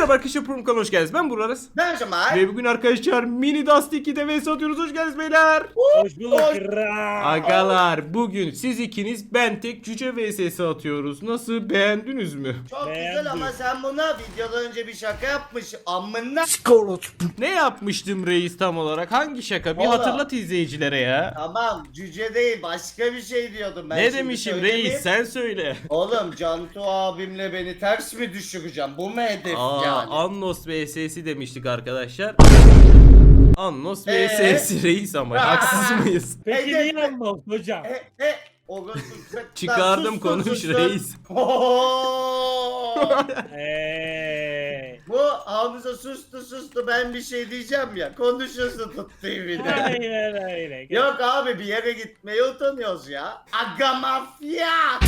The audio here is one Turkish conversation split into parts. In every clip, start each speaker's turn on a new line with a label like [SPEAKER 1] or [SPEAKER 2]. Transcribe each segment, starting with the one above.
[SPEAKER 1] Merhaba arkadaşlar, Prum kanalına hoş geldiniz. Ben Buraras.
[SPEAKER 2] Ben Cemal.
[SPEAKER 1] Ve bugün arkadaşlar mini Dust 2'de vs atıyoruz. Hoş geldiniz beyler.
[SPEAKER 3] Hoş bulduk kral.
[SPEAKER 1] Agalar, bugün siz ikiniz, ben tek cüce vs'si atıyoruz. Nasıl, beğendiniz mi?
[SPEAKER 2] Çok
[SPEAKER 3] Beğendim.
[SPEAKER 2] güzel ama sen buna videodan önce bir şaka yapmış. Amına.
[SPEAKER 1] Ne yapmıştım reis tam olarak? Hangi şaka? Bir
[SPEAKER 2] Oğlum.
[SPEAKER 1] hatırlat izleyicilere ya.
[SPEAKER 2] Tamam, cüce değil, başka bir şey diyordum ben.
[SPEAKER 1] Ne
[SPEAKER 2] şimdi
[SPEAKER 1] demişim
[SPEAKER 2] söylemeyeyim.
[SPEAKER 1] reis, sen söyle.
[SPEAKER 2] Oğlum Cantu abimle beni ters mi düşüreceğim? Bu mu hedef yani?
[SPEAKER 1] Annos vs'si demiştik arkadaşlar. Annos
[SPEAKER 2] Ee?
[SPEAKER 1] vs'si reis ama haksız mıyız?
[SPEAKER 3] Peki
[SPEAKER 2] Hedef-
[SPEAKER 3] niye anlamaz hocam?
[SPEAKER 2] O
[SPEAKER 1] Çıkardım, konuş reis.
[SPEAKER 2] Bu Hamza sustu ben bir şey diyeceğim ya. Konuşuyorsun tuttuğu bir de.
[SPEAKER 3] Aynen öyle.
[SPEAKER 2] Yok abi, bir yere gitmeye utanıyoruz ya. Aga mafya.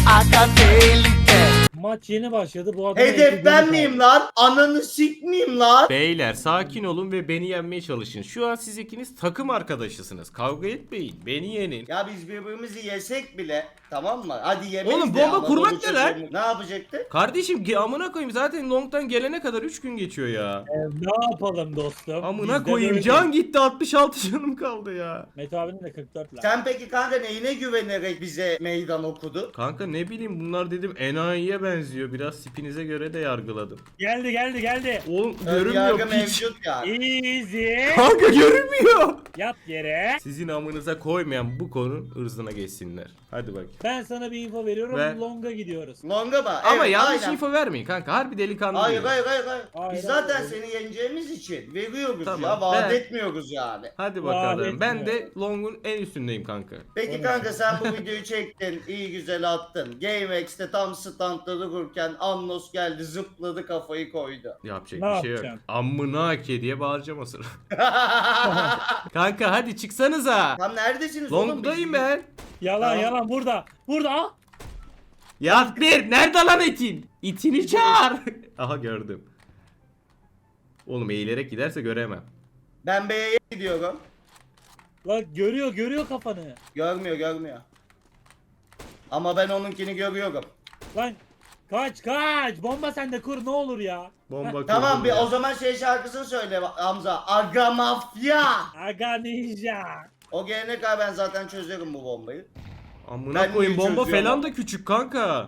[SPEAKER 3] Maç yeni başladı bu adam.
[SPEAKER 2] Hedef ben miyim lan? Ananı sikmeyeyim lan.
[SPEAKER 1] Beyler sakin olun ve beni yenmeye çalışın. Şu an siz ikiniz takım arkadaşısınız. Kavga etmeyin. Beni yenin.
[SPEAKER 2] Ya biz birbirimizi yesek bile, tamam mı? Hadi yemeyiz
[SPEAKER 1] Oğlum,
[SPEAKER 2] de
[SPEAKER 1] bomba
[SPEAKER 2] ama
[SPEAKER 1] kurmak
[SPEAKER 2] Anadolu
[SPEAKER 1] ne lan?
[SPEAKER 2] çocuğu- Ne yapacaktı?
[SPEAKER 1] Kardeşim amına koyayım, zaten long'dan gelene kadar 3 gün geçiyor ya.
[SPEAKER 3] Ne yapalım dostum?
[SPEAKER 1] Amına
[SPEAKER 3] Bizde
[SPEAKER 1] koyayım,
[SPEAKER 3] böyle.
[SPEAKER 1] can gitti, 66 canım kaldı ya.
[SPEAKER 3] Mete abinin de 44 lan.
[SPEAKER 2] Sen peki kanka neyine güvenerek bize meydan okudu?
[SPEAKER 1] Kanka ne bileyim, bunlar dedim enayiye benziyor. Biraz spinize göre de yargıladım.
[SPEAKER 3] Geldi.
[SPEAKER 1] Oğlum
[SPEAKER 2] Yargı
[SPEAKER 1] görünmüyor piç.
[SPEAKER 2] mevcut yani.
[SPEAKER 3] Easy.
[SPEAKER 1] Kanka görünmüyor.
[SPEAKER 3] Yat yere.
[SPEAKER 1] Sizin amınıza koymayan bu konu ırzına geçsinler. Hadi bak.
[SPEAKER 3] Ben sana bir info veriyorum.
[SPEAKER 1] Ver.
[SPEAKER 3] Long'a gidiyoruz.
[SPEAKER 2] Longa mı?
[SPEAKER 1] Ama
[SPEAKER 2] Evet,
[SPEAKER 1] yanlış
[SPEAKER 2] aynen.
[SPEAKER 1] info vermeyin kanka. Harbi delikanlı
[SPEAKER 2] Hayır
[SPEAKER 1] diyor.
[SPEAKER 2] hayır.
[SPEAKER 3] Hayır,
[SPEAKER 2] Biz zaten
[SPEAKER 3] hayır.
[SPEAKER 2] seni yeneceğimiz için veriyoruz
[SPEAKER 1] Tamam,
[SPEAKER 2] ya. Vaat
[SPEAKER 1] ben-
[SPEAKER 2] etmiyoruz yani.
[SPEAKER 1] Hadi
[SPEAKER 3] Vaat
[SPEAKER 1] bakalım. Ben
[SPEAKER 3] etmiyor.
[SPEAKER 1] de long'un en üstündeyim kanka.
[SPEAKER 2] Peki kanka sen bu videoyu çektin, iyi güzel attın. GameX'te tam standta dururken Annos geldi, zıpladı, kafayı koydu.
[SPEAKER 1] Yapacak
[SPEAKER 3] Ne
[SPEAKER 1] bir şey yok.
[SPEAKER 3] yapacaksın?
[SPEAKER 1] Amına ke diye bağıracağım o sıra. Kanka hadi çıksanıza.
[SPEAKER 2] Tam neredesiniz oğlum?
[SPEAKER 1] Long'dayım
[SPEAKER 2] Biz-
[SPEAKER 1] ben.
[SPEAKER 3] Yalan
[SPEAKER 2] Tamam.
[SPEAKER 3] burada. Al.
[SPEAKER 1] Ya bir nerede lan itin? İtini çağır. Aha gördüm. Oğlum eğilerek giderse göremem.
[SPEAKER 2] Ben B'ye gidiyorum.
[SPEAKER 3] Lan görüyor kafanı.
[SPEAKER 2] Görmüyor. Ama ben onunkini görüyorum.
[SPEAKER 3] Lan kaç. Bomba sende kur ne olur ya.
[SPEAKER 1] Bomba
[SPEAKER 2] Tamam,
[SPEAKER 1] kurdum
[SPEAKER 2] bir
[SPEAKER 1] ya.
[SPEAKER 2] o zaman şey şarkısını söyle Hamza. Aga mafya.
[SPEAKER 3] Aga ninja.
[SPEAKER 2] O gelene kadar ben zaten çözerim bu bombayı.
[SPEAKER 1] Amına
[SPEAKER 2] Ben
[SPEAKER 1] koyayım,
[SPEAKER 2] niye
[SPEAKER 1] bomba
[SPEAKER 2] çözüyorum
[SPEAKER 1] falan
[SPEAKER 2] ama?
[SPEAKER 1] da küçük kanka.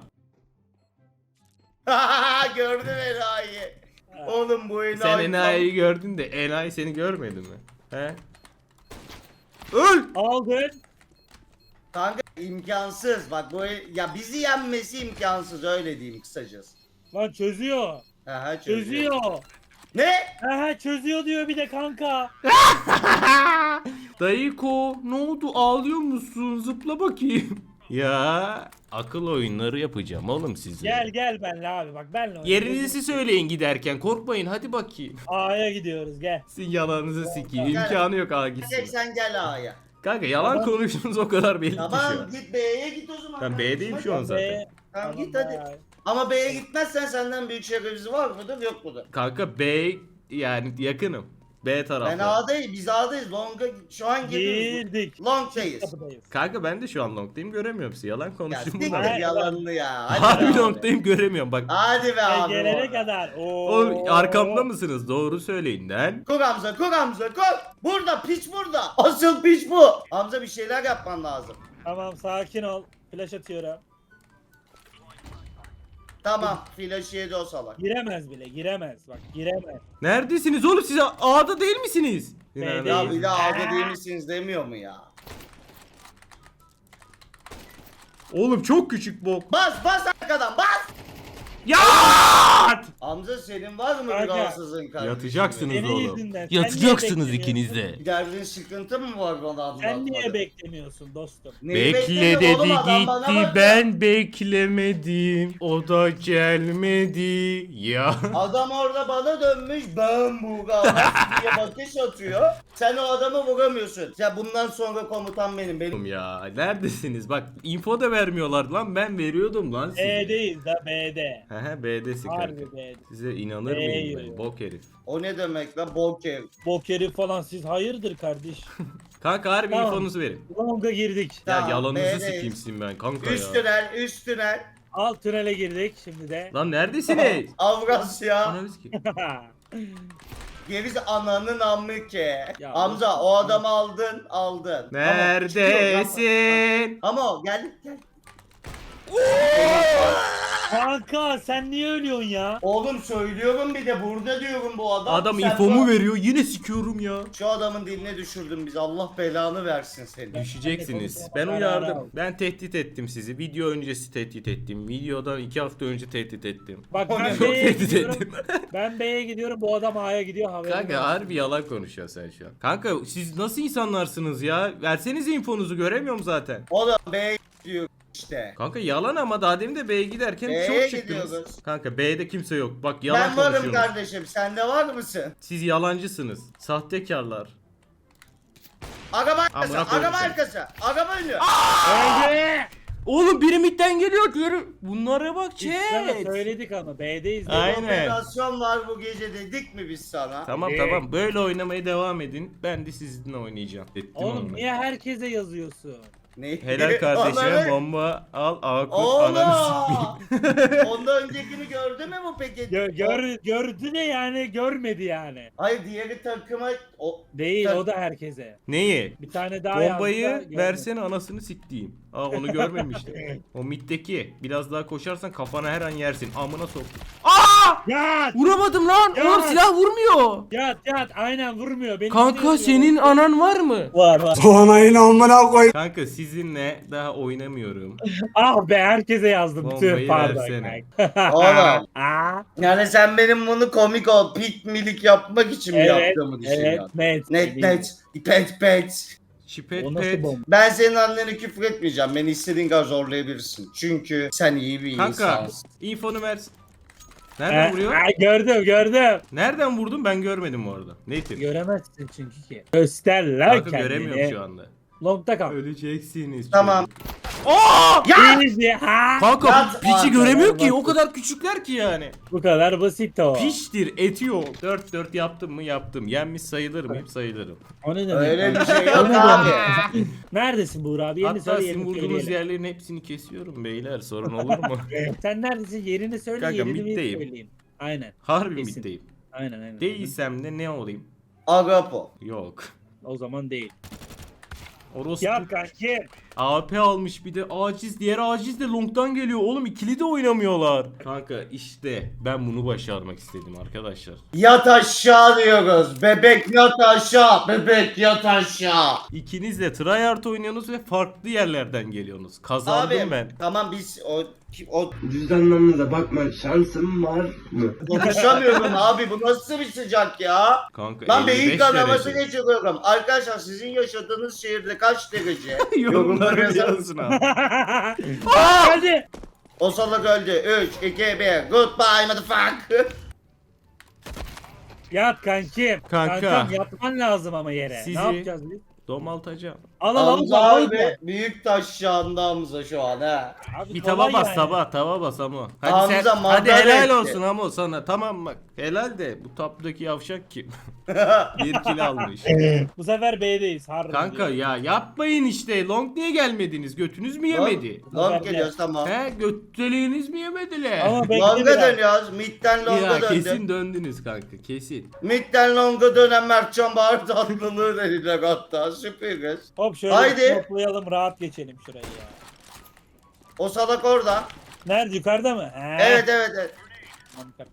[SPEAKER 2] Gördüm enayi. Oğlum bu enayi.
[SPEAKER 1] Sen enayiyi gördün de enayi seni görmedi mi? He? Öl!
[SPEAKER 3] Aldın.
[SPEAKER 2] Kanka imkansız. Bak bu ya bizi yenmesi imkansız, öyle diyeyim kısacası.
[SPEAKER 3] Lan çözüyor.
[SPEAKER 2] Aha,
[SPEAKER 3] Çözüyor.
[SPEAKER 2] Ne?
[SPEAKER 3] Çözüyor diyor bir de kanka.
[SPEAKER 1] Dayıko ne oldu, ağlıyor musun? Zıpla bakayım. Ya akıl oyunları yapacağım oğlum size.
[SPEAKER 3] Gel benle abi bak benle. oyna.
[SPEAKER 1] Yerinizi söyleyin giderken, korkmayın hadi bakayım.
[SPEAKER 3] A'ya gidiyoruz gel.
[SPEAKER 1] Sizin yalanınızı sikeyim,
[SPEAKER 2] Gel.
[SPEAKER 1] imkanı yok ağa
[SPEAKER 2] Tek
[SPEAKER 1] gitsin.
[SPEAKER 2] sen gel A'ya.
[SPEAKER 1] Kanka yalan
[SPEAKER 3] Tamam.
[SPEAKER 1] konuştuğunuz o kadar belli ki şu
[SPEAKER 2] Tamam,
[SPEAKER 1] an.
[SPEAKER 2] git B'ye git o zaman.
[SPEAKER 1] Ben
[SPEAKER 2] kardeşim,
[SPEAKER 1] B'deyim
[SPEAKER 2] hadi.
[SPEAKER 1] şu an zaten.
[SPEAKER 3] B.
[SPEAKER 2] Tamam, git hadi.
[SPEAKER 3] bye.
[SPEAKER 2] Ama B'ye gitmezsen senden büyük şerefsiz var mıdır yok mudur?
[SPEAKER 1] Kanka B, yani yakınım. B
[SPEAKER 2] Ben
[SPEAKER 1] tarafta.
[SPEAKER 2] A'dayım, biz A'dayız. Long'a şu an giriyoruz.
[SPEAKER 3] Girdik.
[SPEAKER 2] Long'dayız.
[SPEAKER 3] Kapıdayız.
[SPEAKER 1] Kanka ben de şu an long'dayım, göremiyorum sizi. Yalan
[SPEAKER 2] Ya
[SPEAKER 1] konuştum
[SPEAKER 2] siktir
[SPEAKER 1] bunlar.
[SPEAKER 2] yalanını ya. Hadi
[SPEAKER 1] Harbi
[SPEAKER 2] be abi.
[SPEAKER 1] long'dayım, göremiyorum bak.
[SPEAKER 2] Hadi be abi.
[SPEAKER 3] Gelene
[SPEAKER 2] orada.
[SPEAKER 3] kadar. Oo.
[SPEAKER 1] Oğlum arkamda mısınız? Doğru söyleyin lan.
[SPEAKER 2] Kur Hamza, kur Hamza, kur. Burada, piç burada. Asıl piç bu. Hamza bir şeyler yapman lazım.
[SPEAKER 3] Tamam sakin ol. Flash atıyorum.
[SPEAKER 2] Tamam, flash yedi o salak.
[SPEAKER 3] Giremez bile giremez. Bak giremez.
[SPEAKER 1] Neredesiniz oğlum, siz A'da değil misiniz?
[SPEAKER 3] B'deyim.
[SPEAKER 2] Ya bir de A'da değil misiniz demiyor mu ya?
[SPEAKER 1] Oğlum çok küçük bok.
[SPEAKER 2] Bas arkadan bas.
[SPEAKER 1] Yat!
[SPEAKER 2] Hamza senin var mı bir
[SPEAKER 3] Kanka.
[SPEAKER 2] rahatsızlığın kardeşim?
[SPEAKER 1] Yatacaksınız
[SPEAKER 3] Senin
[SPEAKER 1] oğlum.
[SPEAKER 3] yüzünden. Sen
[SPEAKER 1] Yatacaksınız
[SPEAKER 3] niye
[SPEAKER 1] ikiniz de.
[SPEAKER 2] Bir derdin sıkıntı mı var bana anlatmadın?
[SPEAKER 3] Sen niye beklemiyorsun dostum?
[SPEAKER 2] Neyi
[SPEAKER 1] Bekle
[SPEAKER 2] bekliyorsun
[SPEAKER 1] dedi
[SPEAKER 2] oğlum, adam bana
[SPEAKER 1] gitti,
[SPEAKER 2] bakıyor.
[SPEAKER 1] ben beklemedim. O da gelmedi ya.
[SPEAKER 2] Adam orada bana dönmüş, ben bu diye bakış atıyor. Sen o adamı vuramıyorsun. Ya bundan sonra komutan benim.
[SPEAKER 1] Oğlum ya neredesiniz? Bak info da vermiyorlar lan, ben veriyordum lan size.
[SPEAKER 3] B'deyiz da B'de.
[SPEAKER 1] Hehe B'desin kanka.
[SPEAKER 3] Harbi B'de.
[SPEAKER 1] Size inanır
[SPEAKER 3] B'ye
[SPEAKER 1] mıyım ben?
[SPEAKER 3] yürüyor.
[SPEAKER 1] Bok herif.
[SPEAKER 2] O ne demek lan, boker.
[SPEAKER 3] Bok herif falan siz hayırdır kardeş?
[SPEAKER 1] Kanka harbi
[SPEAKER 3] Tamam.
[SPEAKER 1] infonuzu verin.
[SPEAKER 3] Long'a girdik.
[SPEAKER 1] Ya
[SPEAKER 2] Tamam,
[SPEAKER 1] yalanınızı
[SPEAKER 2] B'deyiz.
[SPEAKER 1] sikeyim sizin ben kanka
[SPEAKER 2] Üst
[SPEAKER 1] ya.
[SPEAKER 2] tünel, üst tünel.
[SPEAKER 3] Al tünele girdik şimdi de.
[SPEAKER 1] Lan neredesiniz?
[SPEAKER 2] Avrasya.
[SPEAKER 1] Ananı sikeyim.
[SPEAKER 2] Gerisi ananın amı ki.
[SPEAKER 3] Ya
[SPEAKER 2] Hamza o adamı aldın.
[SPEAKER 1] Neredesin?
[SPEAKER 2] Ama o gel.
[SPEAKER 3] Kanka sen niye ölüyorsun ya?
[SPEAKER 2] Oğlum söylüyorum bir de burada diyorum bu adam.
[SPEAKER 1] Adam
[SPEAKER 2] Sen
[SPEAKER 1] infomu
[SPEAKER 2] bu-
[SPEAKER 1] veriyor. Yine sikiyorum ya.
[SPEAKER 2] Şu adamın diline düşürdün bizi. Allah belanı versin seni.
[SPEAKER 1] Düşeceksiniz. Ben uyardım. Ben tehdit ettim sizi. Video öncesi tehdit ettim. Videodan 2 hafta önce tehdit ettim.
[SPEAKER 3] Bak
[SPEAKER 2] O
[SPEAKER 3] ben
[SPEAKER 2] ne?
[SPEAKER 1] Çok
[SPEAKER 3] B'ye
[SPEAKER 1] tehdit
[SPEAKER 3] gidiyorum.
[SPEAKER 1] ettim.
[SPEAKER 3] Ben B'ye gidiyorum bu adam A'ya gidiyor haberin
[SPEAKER 1] Kanka
[SPEAKER 3] olsun.
[SPEAKER 1] harbi yalan konuşuyorsun sen şu an. Kanka siz nasıl insanlarsınız ya? Versenize infonuzu, göremiyorum zaten.
[SPEAKER 2] O da B diyor işte.
[SPEAKER 1] Kanka yalan ama daha demin de B'ye giderken
[SPEAKER 2] B'ye
[SPEAKER 1] çok çıktınız.
[SPEAKER 2] gidiyoruz.
[SPEAKER 1] Kanka B'de kimse yok. Bak yalan
[SPEAKER 2] Ben varım
[SPEAKER 1] konuşuyorsunuz.
[SPEAKER 2] kardeşim. Sen de var mısın?
[SPEAKER 1] Siz yalancısınız. Sahtekarlar.
[SPEAKER 2] Araba arkası.
[SPEAKER 1] Amına koyayım
[SPEAKER 2] Araba
[SPEAKER 1] seni.
[SPEAKER 2] arkası. Araba önü.
[SPEAKER 3] Öldü.
[SPEAKER 1] Oğlum biri midden geliyor diğeri. Bunlara bak
[SPEAKER 3] Biz sana
[SPEAKER 1] chat.
[SPEAKER 3] söyledik ama B'deyiz.
[SPEAKER 1] Aynen.
[SPEAKER 2] Operasyon var bu gece dedik mi biz sana?
[SPEAKER 1] Tamam
[SPEAKER 3] Evet.
[SPEAKER 1] tamam böyle oynamaya devam edin. Ben de sizinle oynayacağım. Ettim
[SPEAKER 3] Oğlum
[SPEAKER 1] onu.
[SPEAKER 3] niye herkese yazıyorsun?
[SPEAKER 2] Ne?
[SPEAKER 1] Helal kardeşime
[SPEAKER 2] Onları-
[SPEAKER 1] bomba al Akut ananı sikeyim.
[SPEAKER 2] Oğlum! Ondan öncekini gördü mü bu peki?
[SPEAKER 3] Gördü de yani görmedi yani.
[SPEAKER 2] Hayır diğeri takıma
[SPEAKER 3] Değil
[SPEAKER 2] Sen-
[SPEAKER 3] o da herkese.
[SPEAKER 1] Neyi?
[SPEAKER 3] Bir tane daha yazdı da
[SPEAKER 1] Bombayı
[SPEAKER 3] görmedi.
[SPEAKER 1] versene anasını siktiğim. Aa onu görmemiştim. O middeki. Biraz daha koşarsan kafana her an yersin. Amına soktum. Aa!
[SPEAKER 3] Yat!
[SPEAKER 1] Vuramadım lan.
[SPEAKER 3] Ya!
[SPEAKER 1] Oğlum silah vurmuyor.
[SPEAKER 3] Yat aynen vurmuyor. Beni
[SPEAKER 1] Kanka senin anan var mı?
[SPEAKER 3] var.
[SPEAKER 1] Kanka sizinle daha oynamıyorum.
[SPEAKER 3] Ah be herkese yazdım.
[SPEAKER 1] Bombayı
[SPEAKER 3] Tüh pardon.
[SPEAKER 1] versene.
[SPEAKER 2] Oğlum.
[SPEAKER 3] Aa,
[SPEAKER 2] Yani sen benim bunu komik ol, pit milik yapmak için mi
[SPEAKER 3] evet,
[SPEAKER 2] yaptığımı
[SPEAKER 3] evet,
[SPEAKER 2] düşünüyorsun?
[SPEAKER 3] net.
[SPEAKER 2] Net.
[SPEAKER 1] Şipet
[SPEAKER 3] O nasıl
[SPEAKER 1] pet.
[SPEAKER 3] bomba?
[SPEAKER 2] Ben senin annene küfür etmeyeceğim. Beni istediğin kadar zorlayabilirsin. Çünkü sen iyi bir
[SPEAKER 1] Kanka
[SPEAKER 2] insansın.
[SPEAKER 1] infonu versin. Nereden vuruyor?
[SPEAKER 3] Gördüm.
[SPEAKER 1] Nereden vurdun ben görmedim bu arada. Native.
[SPEAKER 3] Göremezsin çünkü ki. Göster lan
[SPEAKER 1] Kanka
[SPEAKER 3] kendini.
[SPEAKER 1] göremiyorum şu anda.
[SPEAKER 3] Long'da kal.
[SPEAKER 1] Öleceksiniz.
[SPEAKER 2] Tamam.
[SPEAKER 1] Aa!
[SPEAKER 2] Ya!
[SPEAKER 3] Easy ha.
[SPEAKER 1] Kanka
[SPEAKER 2] Yat!
[SPEAKER 1] piçi
[SPEAKER 2] Aa,
[SPEAKER 1] göremiyor ki.
[SPEAKER 3] basit.
[SPEAKER 1] O kadar küçükler ki yani.
[SPEAKER 3] Bu kadar basit o.
[SPEAKER 1] Piştir, eti yok. 4-4 yaptım mı yaptım. Yenmiş sayılır mıyım sayılırım.
[SPEAKER 3] O ne demek?
[SPEAKER 2] Öyle bir şey
[SPEAKER 3] O
[SPEAKER 2] yok
[SPEAKER 3] ne
[SPEAKER 2] abi.
[SPEAKER 3] demek? Neredesin Buğra abi? Yerini
[SPEAKER 1] Hatta
[SPEAKER 3] söyle
[SPEAKER 1] sizin
[SPEAKER 3] yerini
[SPEAKER 1] vurduğunuz
[SPEAKER 3] söyleyelim.
[SPEAKER 1] yerlerin hepsini kesiyorum beyler. Sorun olur mu?
[SPEAKER 3] Sen neredesin? Yerini söyle
[SPEAKER 1] Kanka,
[SPEAKER 3] yerini bir
[SPEAKER 1] middeyim.
[SPEAKER 3] söyleyeyim. Aynen.
[SPEAKER 1] Harbi
[SPEAKER 3] Kesin.
[SPEAKER 1] middeyim.
[SPEAKER 3] Aynen.
[SPEAKER 1] Değilsem de ne olayım?
[SPEAKER 2] Agapo.
[SPEAKER 1] Yok.
[SPEAKER 3] O zaman değil.
[SPEAKER 1] Orospu
[SPEAKER 3] Yap kanki.
[SPEAKER 1] AP almış bir de aciz. Diğer aciz de long'dan geliyor. Oğlum ikili de oynamıyorlar. Kanka işte ben bunu başarmak istedim arkadaşlar.
[SPEAKER 2] Yat aşağı diyoruz. Bebek yat aşağı. Bebek yat aşağı.
[SPEAKER 1] İkiniz de tryhard oynuyorsunuz ve farklı yerlerden geliyorsunuz. Kazandım
[SPEAKER 2] Abi
[SPEAKER 1] ben.
[SPEAKER 2] tamam biz o
[SPEAKER 4] Cüzdanlarınıza bakma şansım var mı?
[SPEAKER 2] konuşamıyorum abi. Bu nasıl bir sıcak ya?
[SPEAKER 1] Kanka
[SPEAKER 2] Lan
[SPEAKER 1] 55
[SPEAKER 2] beyin kanaması
[SPEAKER 1] derece.
[SPEAKER 2] geçiriyorum. Arkadaşlar sizin yaşadığınız şehirde kaç derece?
[SPEAKER 1] Yorumları
[SPEAKER 2] yazar
[SPEAKER 1] yazın
[SPEAKER 2] mısın?
[SPEAKER 1] abi.
[SPEAKER 3] Hadi.
[SPEAKER 2] O salak öldü. 3, 2, 1. Goodbye motherfucker.
[SPEAKER 3] Yat kankim.
[SPEAKER 1] Kanka.
[SPEAKER 3] Kankam yatman lazım ama yere.
[SPEAKER 1] Sizi-
[SPEAKER 3] Ne yapacağız biz?
[SPEAKER 1] Domaltacağım.
[SPEAKER 3] Al
[SPEAKER 2] Hamza
[SPEAKER 3] al.
[SPEAKER 2] abi büyük taş yağında Hamza şu an ha.
[SPEAKER 3] Abi
[SPEAKER 1] Bir
[SPEAKER 3] kolay
[SPEAKER 1] tava bas
[SPEAKER 3] yani.
[SPEAKER 1] tava bas ama. Hadi
[SPEAKER 2] Hamza
[SPEAKER 1] sen hadi
[SPEAKER 2] madara
[SPEAKER 1] helal
[SPEAKER 2] etti.
[SPEAKER 1] olsun ama sana tamam bak. Helal de bu taptaki yavşak kim? Bir kill almış.
[SPEAKER 3] Bu sefer B'deyiz. Harbi
[SPEAKER 1] Kanka
[SPEAKER 3] diyorum.
[SPEAKER 1] ya yapmayın işte. Long niye gelmediniz? Götünüz mü yemedi?
[SPEAKER 2] Long geliyoruz tamam.
[SPEAKER 1] He götteliğiniz mi yemediler?
[SPEAKER 3] Ama bekle
[SPEAKER 2] Long'a
[SPEAKER 3] biraz.
[SPEAKER 2] dönüyoruz. Mid'den
[SPEAKER 1] ya
[SPEAKER 2] long'a döndüm.
[SPEAKER 1] kesin döndünüz kanka kesin.
[SPEAKER 2] Mid'den long'a dönen Mertcan Bahar tatlılığı dediler hatta. Süperiz.
[SPEAKER 3] Hop şöyle
[SPEAKER 2] Haydi.
[SPEAKER 3] toplayalım rahat geçelim şurayı ya.
[SPEAKER 2] O salak orada.
[SPEAKER 3] Nerede yukarıda mı? He.
[SPEAKER 2] Evet.
[SPEAKER 3] Tamam, yukarıda.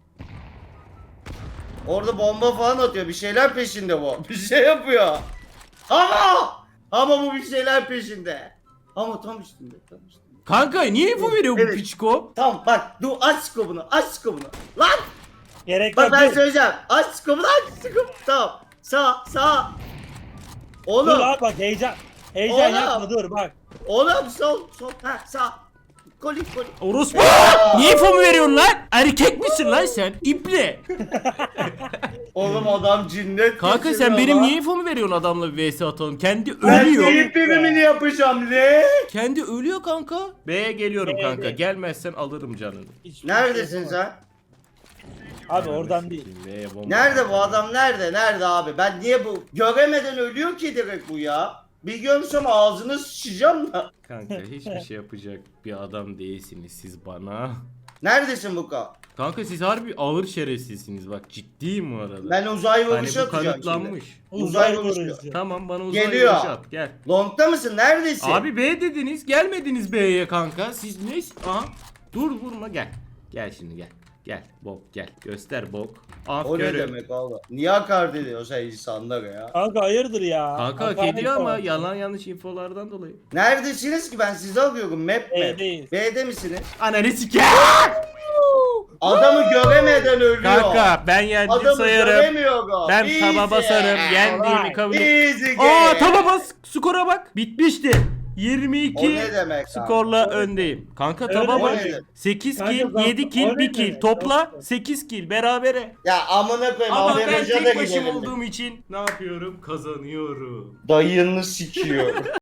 [SPEAKER 2] Orada bomba falan atıyor. Bir şeyler peşinde bu. Bir şey yapıyor. Ama bu bir şeyler peşinde. Ama tam üstünde.
[SPEAKER 1] Kanka niye info veriyor bu
[SPEAKER 2] Evet.
[SPEAKER 1] piçko?
[SPEAKER 2] Tamam bak dur aç skobunu. Lan
[SPEAKER 3] Gerek
[SPEAKER 2] bak
[SPEAKER 3] yok.
[SPEAKER 2] ben
[SPEAKER 3] dur.
[SPEAKER 2] söyleyeceğim. Aç skobunu Tamam. Sağ.
[SPEAKER 3] Dur
[SPEAKER 2] Oğlum.
[SPEAKER 3] abi bak heyecan. Heyecan
[SPEAKER 2] Oğlum.
[SPEAKER 3] yapma dur bak.
[SPEAKER 2] Oğlum sol. Ha sağ. Kolik.
[SPEAKER 1] Orospu. Niye info mu veriyorsun lan? Erkek misin lan sen? İple.
[SPEAKER 2] Oğlum adam cinnet
[SPEAKER 1] Kanka sen
[SPEAKER 2] geçiriyor
[SPEAKER 1] benim
[SPEAKER 2] lan.
[SPEAKER 1] niye info mu veriyorsun adamla bir vs atalım? Kendi
[SPEAKER 2] Ben
[SPEAKER 1] ölüyor.
[SPEAKER 2] senin primini yapacağım ne?
[SPEAKER 1] Kendi ölüyor kanka. B'ye geliyorum
[SPEAKER 3] B'ye
[SPEAKER 1] kanka.
[SPEAKER 3] gel.
[SPEAKER 1] Gelmezsen alırım canını.
[SPEAKER 3] Hiçbir
[SPEAKER 2] Neredesin
[SPEAKER 3] şey
[SPEAKER 2] sen?
[SPEAKER 3] yapamam. Abi oradan değil.
[SPEAKER 1] B'ye bomba.
[SPEAKER 2] Nerede bu adam nerede? Nerede abi? Ben niye bu? Göremeden ölüyor ki direkt bu ya. Bir görsem ağzını sıçacağım da.
[SPEAKER 1] Kanka hiçbir şey yapacak bir adam değilsiniz siz bana.
[SPEAKER 2] Neredesin Buka?
[SPEAKER 1] Kanka siz harbi ağır şerefsizsiniz bak, ciddiyim bu arada.
[SPEAKER 2] Ben uzay
[SPEAKER 1] hani
[SPEAKER 2] vuruşu
[SPEAKER 1] bu
[SPEAKER 2] atacağım şimdi.
[SPEAKER 1] kanıtlanmış.
[SPEAKER 2] Uzay
[SPEAKER 3] vurucu.
[SPEAKER 2] vuruşu.
[SPEAKER 1] Tamam bana uzay
[SPEAKER 2] Geliyor.
[SPEAKER 1] vuruşu at gel.
[SPEAKER 2] Long'da mısın? Neredesin?
[SPEAKER 1] Abi B dediniz, gelmediniz B'ye kanka. Siz ne? Aha. Dur vurma gel. Gel şimdi gel. Gel bok gel. Göster bok.
[SPEAKER 2] O ne
[SPEAKER 1] Aferin.
[SPEAKER 2] demek oğlum? Niye hakaret ediyorsun sen insanlara ya?
[SPEAKER 3] Kanka hayırdır ya.
[SPEAKER 1] Kanka hak
[SPEAKER 3] Hakaret
[SPEAKER 1] ediyor ama
[SPEAKER 3] var.
[SPEAKER 1] yalan yanlış infolardan dolayı.
[SPEAKER 2] Neredesiniz ki? Ben sizi arıyorum. Map mi?
[SPEAKER 3] B'deyiz.
[SPEAKER 2] B'de misiniz?
[SPEAKER 1] Ananı siker.
[SPEAKER 2] Adamı göremeden ölüyor.
[SPEAKER 1] Kanka ben yendim
[SPEAKER 2] Adamı
[SPEAKER 1] sayarım.
[SPEAKER 2] göremiyorum.
[SPEAKER 1] Ben
[SPEAKER 2] Easy.
[SPEAKER 1] taba basarım. Yendiğimi kabul et.
[SPEAKER 2] Easy game.
[SPEAKER 1] Aa taba bas. Skora bak. Bitmişti. 22
[SPEAKER 2] O ne demek abi?
[SPEAKER 1] skorla öndeyim. Kanka taba
[SPEAKER 3] Öyle
[SPEAKER 1] bak.
[SPEAKER 2] mi?
[SPEAKER 1] 8
[SPEAKER 3] Kanka
[SPEAKER 1] kill,
[SPEAKER 3] zaten
[SPEAKER 1] 7 kill,
[SPEAKER 3] o ne
[SPEAKER 1] 1 kill.
[SPEAKER 3] demek?
[SPEAKER 1] Topla
[SPEAKER 3] Zaten.
[SPEAKER 1] 8 kill berabere.
[SPEAKER 2] Ya amına koyayım.
[SPEAKER 1] Ama ben
[SPEAKER 2] AVM'ce de
[SPEAKER 1] tek başım
[SPEAKER 2] gidelim.
[SPEAKER 1] olduğum için ne yapıyorum? Kazanıyorum.
[SPEAKER 2] Dayını sikiyor.